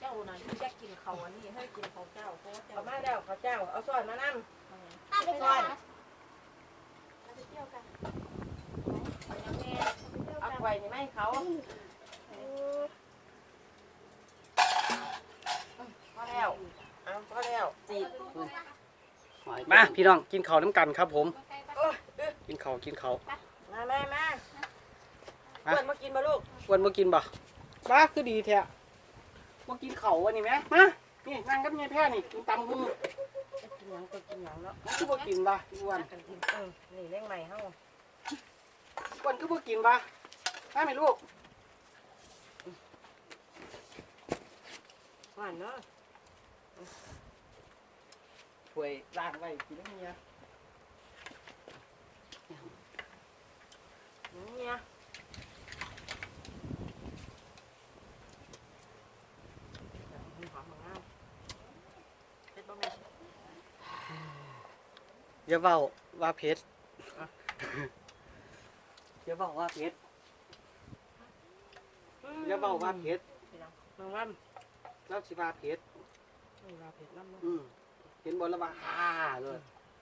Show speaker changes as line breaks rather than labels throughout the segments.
าน่ะอยากกินเขาอันนี้ให้กินเขาเจ้าเพราะว่าเจ้า
เอามาแล้วข้าวเจ้าเอาซอยมานั่ง
ไปก่อนเราไปเที่ยวกันไปยังแม่
เอาไว้นี่ไม่เขาพอแล้วเอาพอแล้วจีบ
มาพี่น้องกินข้าวน้ำกันครับผมกินข้าว
มาอ้วนมากินมาลูก
อ้วนมากินบ่บ้าคือดีแท้มากินข้าววันนี้ไหมมานี่นั่งกับยายแพ้นี่กินตำหุ้ง
กินหยังก็กินหยังเนาะ
คือบ่กินบ่อ้วน
กันกินนี่เลี้ยงใหม่เฮา
อ้วนคือบ่กินบ่มาไหมลูก
หวานเนาะ
ถ้วยล้างไว้กินแล้วเนี่ย
เนี่ยหอมงามเป็นบ่แม่
อย่าเว้าว่าเผ็ดอย่าเว้าว่าเผ็ดอย่าเว้าว่าเผ็ด
น้องว่
แล้วสิว่าเผ็ด
ำนี่ว่าเผ็ดน้ำเนาะ
เห็นบ่แล้วว่าฮ่าเลย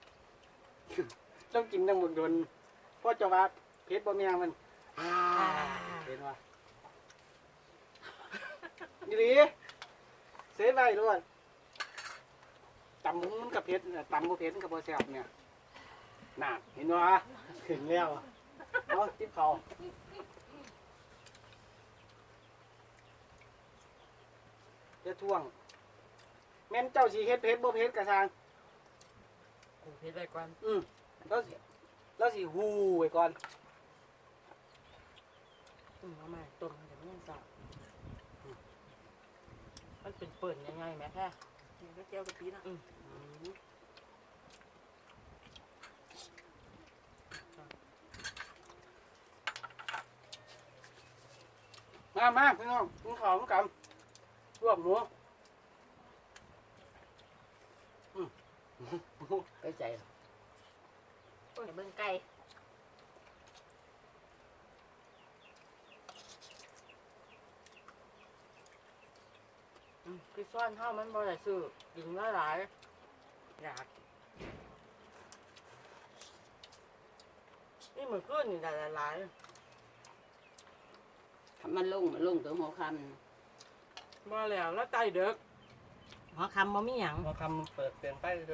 ต้องกินตั้งหมดโดนเพราะจะว่าเผ็ดบ่แม่มันเห็นว่านี่ดิเสียไปด้วยตำมุ้งมันกับเผ็ดตำบ่เผ็ดมันกับบ่แซ่บเนี่ยน่ะเห็นว่าเห็นแล้วเอาติ๊บเขาจะท่วงแม่นเจ้าสีเฮ็ดเผ็ดบ่เผ็ดกระซัง
กูเผ็ดไปก่อน
แล้วสิฮู้ไว้ก่อน
เอามาต้มเดี๋ยวมันยังสาบมันเป็นเปิ่นยังไงแม่แค่นี่ก็เจียวกะทินะ
มาพี่น้องกินข้าวกันลวกหมูไปใจ
โอ้ยเบิ่งไก่คือซ่อนเท่ามันบ่ได้ซื้อกินมาหลายอยากนี่มันขึ้นนี่ได้หลาย
ทำมันลงตัวหัวค
ๆบ่แล้วแล้วไตเด็กหัวคำบ่มีหยัง
พอคำเปิดเปลี่ยนไปเลย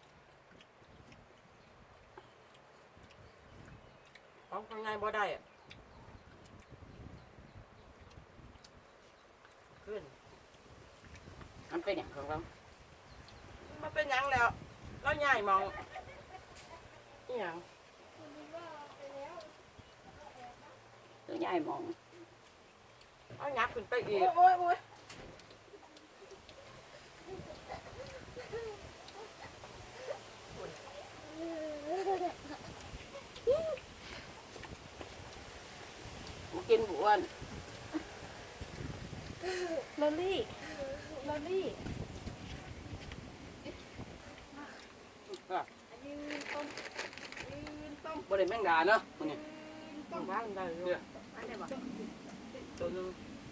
ของข้างในบ่ได้ขึ้น
ำมันเป็นอย่างของเรา
มันเป็นหยังแล้วแล้วใหญ่มองอีหยัง
ตัวใหญ่มอง
เอาหยักขึ้นไปอีก
โอ้ย
มากินบุ้วน
ลอลี่
บ่ได้แมงดาเนาะมันนี่
ต้องบ้านได้เลยอันนี้บ่
ตัวนึง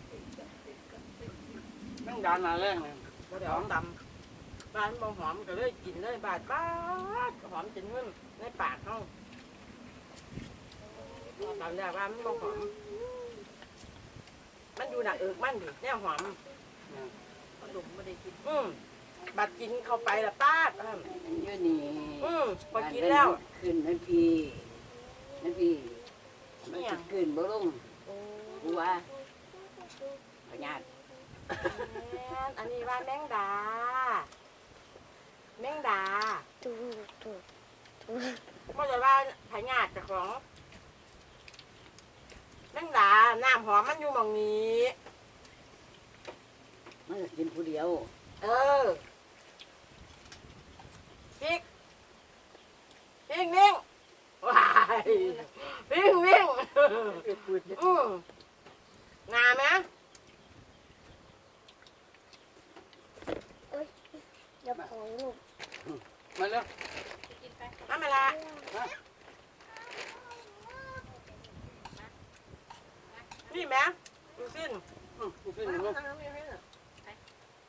แมงดาหนาแรงเลย
บ่ได้หอมดำบ้านบ่หอมก็เลยกินเลยบาดหอมจนเงินในปากเฮาตอนแรกว่ามันบ่หอมมันอยู่หนักเอิกมันดิแนวหอม
ขนมไม่ได้กิน
บัดกินเข้าไปละป้าด
มันเยอะนี่
พอกินแล้ว
ขึ้นนั่นพี่มันจะขึ้นบ่ลงกูว่าพญาต
อันนี้ว่าแมงดาไม่ใช่ว่าพญาติเจ้าของแมงดาน้ำหอมมันอยู่หม่องนี้
มันก็กินผู้เดียว
พริกนิ่งว้ายวิ่งงาไหม
เดี๋ยวของลูก
มาเร็ว
น้ำมาละนี่ไหมดูสิ้น
ดูสิหนูลูก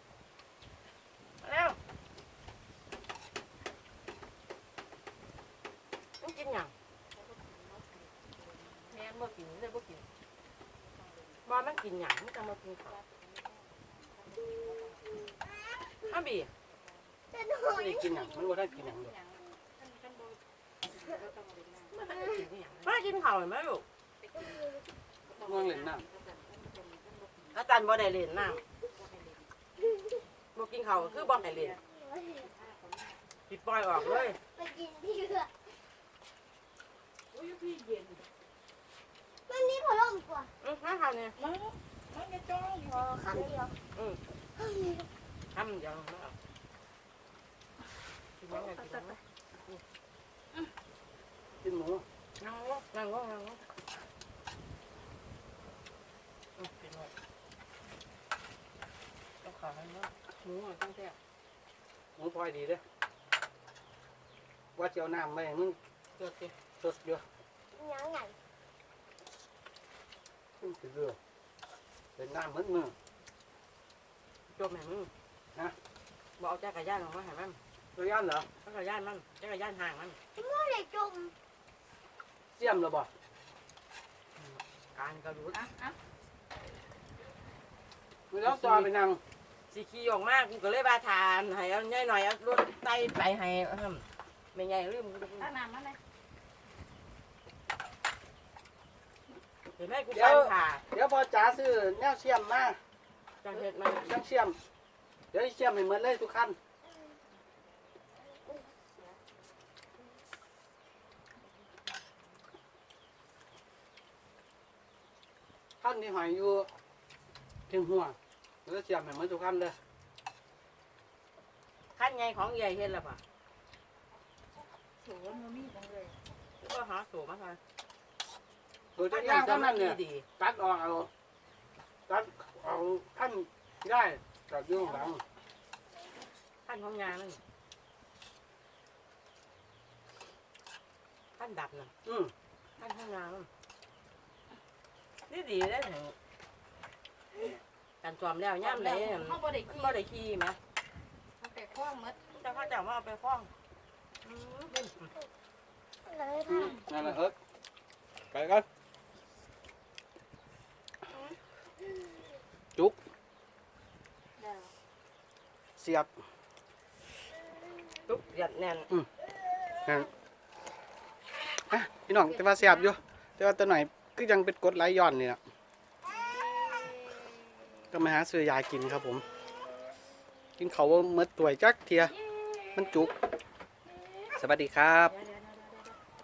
กินหยังจะมากินข้าวอ้าวบี
จะหน่อ
ไม่
ย
ได้กินหยังมันบ่ได้กินหยังดอก
มากินข้าวเห็นไหมลูก
ง่วงเล่นน้
อาจารย์บ่ได้เล่นน้ำบ่กินข้าวคือบ่ให้เล่นปิดปล่อยออกเลย
ไปกินที่เรือมันนี่พอล่มกว่า
มาข้าวเนี่ย
พอคำเดียว
ทำเดี๋ยวมาเอากินยังไงกินยังไง
ำกินหมู
นั่งลงนั่งลงนั่งลงกินหมดต้องขอให้มาหมูต้องแซ่บ
หมูพลอยดีเด้อว่าสิเจียวน้ำไว้ให้มึง
เกิดสิ
สดอยู่
ยังไง
ขึ้นสิเรือเป็นน้ำมึดมือ
จบแม่มึง
ฮะ
บ่เอาจักรยานออกมาให้มัน
ตัวย่านเหรอ
จักรยานมันจักรยานห่างมัน
ไม่ได้จม
เสียมเหรอบ่
การกระดูด
มือแล้วจอไปนั่ง
สิขี่ออกมากูก็เลยบาทานให้เอาใหญ่หน่อยเอารถไต่ไปให้ไม่ใหญ่ลืม
ตั้งน้ำมาเลย
เห็นไหมกูฟันผ่า
เดี๋ยวพอจ๋าซื้อแนวเสียมมา
จังเฮ็ดมัน
จังเสียม เดี๋ยวเสียมให้หมดเลยทุกคันคันที่หอยอยู่ถึงหัวเดี๋ยวเสียมให้หมดทุกคันเลย
ขั้นใหญ่ของใหญ่เฮ็ดแล้วป่ะ
โถมันมีจังเลย
ก็หาสูบมาค่ะ
ตัวจะย่างคันนั้นเนี่ย
ดี
ตัดออกเอาตัดเอาขั้นได้ตัดอยุ่ข้างหลัง
ขั้นของยานั่นขั้นดับน่ะ
อืม
ขั้นของยานั่นนี่ดีได้ถึงการจอมแล้วย่ำไหน
เขาบ่ได้
มัน
ขี้
บ่ได้ขี้ไหม
เขาไปคล้องหมด
แต่เขาจะมาเอาไปคล้อง
เลยค่ะ
นั่นแหละเอิร์กไปกันจุกเสียบ
ตุ๊กหยัดแน่น
นั่นอ่ะพี่น้องแต่ว่าเสียบอยู่แต่ว่าตัวหน่อยก็ยังเป็นกรดไหลย้อนนี่นะก็มาหาซื้อยากินครับผม กินเขาวว่าเมื่อตัวจักเทียมันจุก สวัสดีครับ
เดี๋ยว